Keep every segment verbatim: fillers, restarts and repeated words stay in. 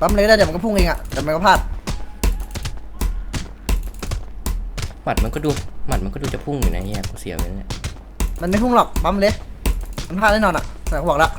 ปั๊มเลยได้เดี๋ยวมันก็พุ่งเองอ่ะแต่มันก็พลาดหมัดมันก็ดูหมัดมันก็ดูจะพุ่งอยู่นะเฮียกูเสียไปแล้วเนี่ยมันไม่พุ่งหรอกปั๊มเลยมันพลาดแน่นอนอ่ะแต่กูบอกแล้ว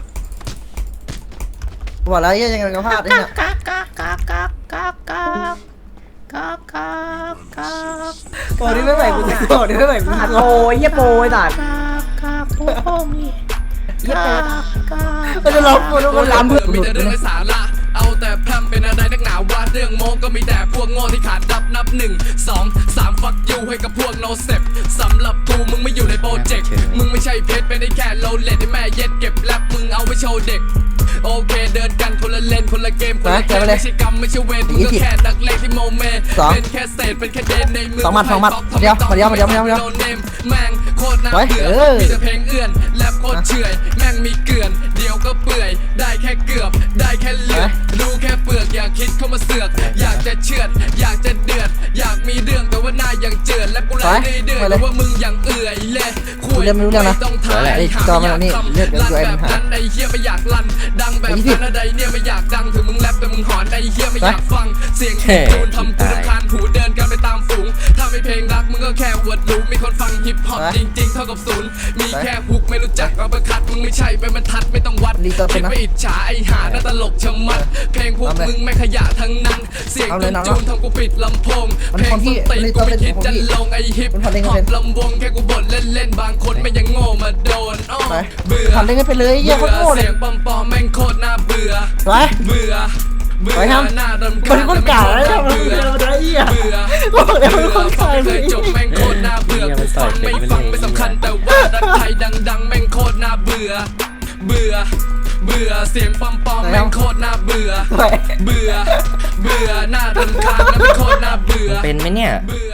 กูบอกแล้วยังไงก็พลาดไอ้เนี่ยกักกักกักกักกักกักกักกักกักโอ้นี่ไม่ไหวกูจะโกรธนี่ไม่ไหวกูจะโกรธโอ้ยเยี่ยโปยตัดกักพุ่งพุ่งนี่เยี่ยโปยมันจะร้องกูมันร้องเพื่อนมีแต่เรื่องไร้สาระเอาแต่พร่ำเป็นอะไรนักหนาวาเรื่องโมก็มีแต่พวกโง่ที่ขาดดับนับหนึ่งสองสามฟักยูให้กับพวกโนเซปสำหรับกูมึงไม่อยู่ในโปรเจกต์มึงไม่ใช่เพชรเป็นไอ้แค่โลเลตไอ้แม่เย็ดเก็บแลบมึงเอาไว้โชว์เด็กโอเคเดินกันคนละเลนคนละเกมคนละเกมไม่ใช่กรรมไม่ใช่เวรมึงก็แค่นักเลงที่โมเมเป็นแค่เศษเป็นแค่เดนในมือสองหมัดสองหมัดเดียวมาเดียวมาเดียวมาเดียวมาเดียวแม่งโคตรน่าเบื่อมีแต่เพลงเอื้อนแลบโคตรเฉื่อยแม่งมีเกลื่อนเดียวก็เปื่อยได้แค่เกือบได้แค่เลือดดูแค่เปลือกอยากคิดเข้ามาเสือกอยากจะเชือดอยากจะเดือดอยากมีเรื่องแต่ว่าหน้ายังเจือนและกูไล่เดือดแต่ว่ามึงยังเอื่อยเลยคุยไม่ต้องถ่ายหาอยากทำลั่นแบบนั้นไอ้เหี้ยไม่อยากลั่นดังแบบนั้นอะไรเนี่ยไม่อยากดังถึงมึงแรปแต่มึงหอนไอ้เหี้ยไม่อยากฟังเสียงตูนทำกูรำคาญหูเดินกันไปตามฝูงถ้าไม่เพลงรักมึงก็แค่อวดรู้มีคนฟังฮิปฮอปจริงๆเท่ากับศูนย์มีแค่ฮุกไม่รู้จักเอาไปคัดมึงไม่ใช่ไปบรรทัดไม่ต้องวัดคิดไปอิจฉาไอ้หาหน้าตลกชะมัดเพลงพวกมึงไม่ขยะทั้งนั้นเสียงจูนทำกูปิดลำโพงเพลงส้นตีนกูไม่คิดจะลงไอ้ฮิปฮอปลำวงแค่กูบ่นเล่นๆบางคนไม่ยังโง่มาโดนเบื่อทำเล่นไปเลยเยี่ยมโคตรเลยเสียงปอมปอมแม่งโคตรน่าเบื่อไปเบื่อเบื่อหน้าดำมันคนกาแล้วเนี่ยมันเป็นอะไรอ่ะเบื่อบอกแล้วมันคนฟักางไม่เคยจบแม่งโคตรน่าเบื่อกูฟังไม่ฟังไม่สำคัญแต่ว่าดังไทยดังๆแม่งโคตรน่าเบื่อเบื่อเบื่อเสียงปอมปอมแม่งโคตรน่าเบื่อเบื่อเบื่อหน้าดำคาญแล้วแม่งโคตรน่าเบื่อเป็นไหมเนี่ยเบื่อ